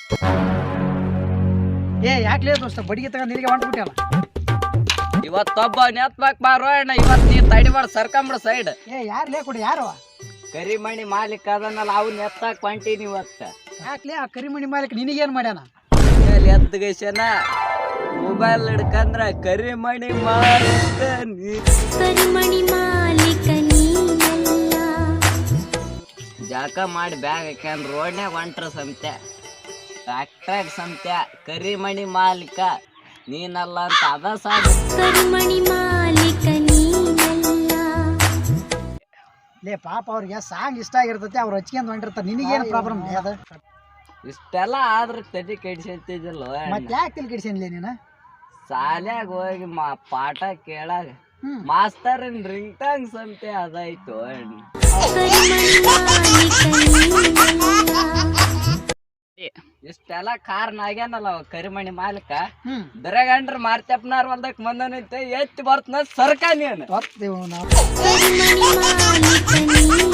ಏ ಯಾಕ್ಲೇ ದೋಸ್ತ ಬಡಿಗೆ ತಗೊಂಡ್ ನಿನಗೆ ಹೊಂಟ್ಬಿಟ್ಟಲ್ಲ. ಇವತ್ತೊಬ್ಬ ನೆತ್ಬಾಕ್ ಬಾರೋ ಅಣ್ಣ, ಇವತ್ ನೀ ತಡಿಬಾರ ಸರ್ಕಂಬಿಡ ಸೈಡ್. ಏ ಯಾರ್ಲೇ ಕೊಡಿ ಯಾರು ಕರಿಮಣಿ ಮಾಲೀಕ ಅದನ್ನಲ್ಲ ಅವ್ನ ಎತ್ತಾಕ್ ಹೊಂಟೀನಿ ಇವತ್ತ. ಯಾಕ್ಲೇ ಆ ಕರಿಮಣಿ ಮಾಲೀಕ ನಿನಗೇನ್ ಮಾಡ್ಯಾನ? ಎದ್ಗೈಸನ ಮೊಬೈಲ್ ಹಿಡ್ಕಂದ್ರ ಕರಿಮಣಿ ಮಾಲೀಕ ಕರಿಮಣಿ ಮಾಲೀಕ ನೀನಲ್ಲ. ಜಾಕ ಮಾಡಿ ಬ್ಯಾಗ್ ಹಾಕ್ಯಾನ್ ರೋಡ್ನ್ಯಾಗ ಹೊಂಟ್ರ ಸಂತೆ ಟ್ರ್ಯಾಕ್ಟ್ರಾಗ ಸಂತೆ ಕರಿಮಣಿ ಮಾಲೀಕ ನೀನಲ್ಲ ಅಂತ ಅದ ಸಾಕು. ಕರಿಮಣಿ ಮಾಲೀಕ ನೀನಲ್ಲ. ಲೇ ಪಾಪ ಅವ್ರಿಗೆ ಸಾಂಗ್ ಇಷ್ಟ ಆಗಿರ್ತೈತಿ, ಅವ್ರು ಹಚ್ಕೊಂಡ್ ಹೊಂಟಿರ್ತಾರೆ. ನಿನಗೇನು ಪ್ರಾಬ್ಲಮ್ ಅದ? ಇಷ್ಟೆಲ್ಲ ಆದ್ರ ತಲೆ ಕೆಡಿಸಂತಿದ್ದಿಲ್ಲ. ಮತ್ತೆ ಯಾಕೆ ತಿಳಿ ಕೆಡಿಸೇನ್ಲೇ ನೀನು? ಶಾಲ್ಯಾಗ ಹೋಗಿ ಪಾಠ ಕೇಳಾಗ ಮಾಸ್ತರಿನ್ ರಿಂಗ್ ಟಾಂಗ್ ಸಂತೆ ಅದಾಯ್ತು. ಕರಿಮಣಿ ಮಾಲೀಕ ನೀನಲ್ಲ. ಇಷ್ಟೆಲ್ಲ ಕಾರಣ ಆಗ್ಯಾನಲ್ಲ ಅವ ಕರಿಮಣಿ ಮಾಲೀಕ. ದರಗಂಡ್ರ ಮಾರ್ತಪ್ಪನಾರ್ ಹೊಲ್ದಕ್ ಬಂದನೈತೆ ಎತ್ತಿ ಬರ್ತನ ಸರ್ಕ ನೀನು. ಗೊತ್ತೇವು ನಾವು. ಕರಿಮಣಿ ಮಾಲೀಕ ನೀನಲ್ಲ.